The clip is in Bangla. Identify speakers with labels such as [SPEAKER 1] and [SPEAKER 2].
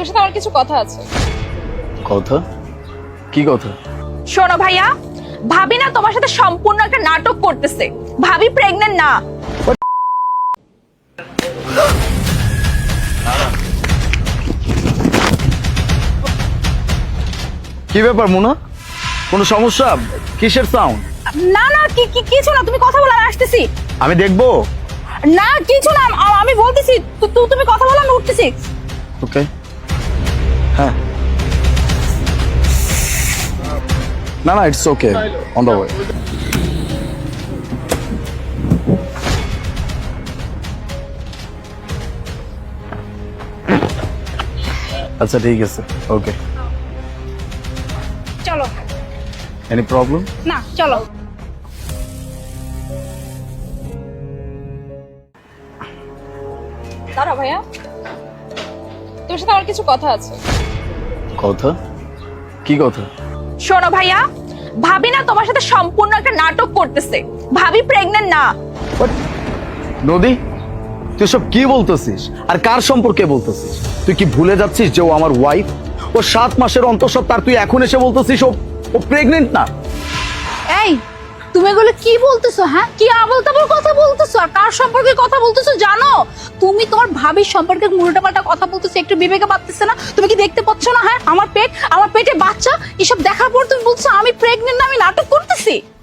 [SPEAKER 1] তোর সাথে আমার কিছু কথা আছে।
[SPEAKER 2] কথা? কি কথা?
[SPEAKER 1] শোনো ভাইয়া, ভাবি না তোমার সাথে সম্পূর্ণ একটা নাটক করতেছে। ভাবি প্রেগন্যান্ট না।
[SPEAKER 2] কি ব্যাপার মুনা? কোনো সমস্যা? কিসের সাউন্ড?
[SPEAKER 1] না না কিছু না, তুমি কথা বলো, আমি আসতেছি।
[SPEAKER 2] আমি দেখবো।
[SPEAKER 1] না কিছু না, আমি বলতেছি, তুমি কথা বলো, আমি উঠতেছি।
[SPEAKER 2] ওকে। হ্যাঁ, না না, it's okay, on the way. আচ্ছা ঠিক আছে, ওকে।
[SPEAKER 1] চলো।
[SPEAKER 2] Any problem?
[SPEAKER 1] না চলো। দাঁড়া ভাইয়া, তোর সাথে আমার কিছু কথা আছে।
[SPEAKER 2] কথা? কি কথা?
[SPEAKER 1] শোনো ভাইয়া, ভাবি না তোমার সাথে সম্পূর্ণ একটা নাটক করতেছে। ভাবি প্রেগন্যান্ট না।
[SPEAKER 2] নদী, তুই সব কি বলতেছিস আর কার সম্পর্কে বলতেছিস? তুই কি ভুলে যাচ্ছিস যে ও আমার ওয়াইফ? ও 7 মাসের অন্তঃসত্ত্বা, আর তুই এখন এসে বলতেছিস ও প্রেগনেন্ট না?
[SPEAKER 3] এই, তুমি এগুলো কি বলতেছো? হ্যাঁ, কি আবল তাবল কথা বলতেছো? আর কার সম্পর্কে কথা বলতেছো জানো? তুমি তোমার ভাবির সম্পর্কে উল্টাপাল্টা কথা বলতেছো, একটু বিবেকে বাড়তেছে না? তুমি কি দেখতে পাচ্ছ না? হ্যাঁ, আমার পেটে বাচ্চা, এসব দেখার পর তুমি বলছো আমি প্রেগনেন্ট না, আমি নাটক করতেছি।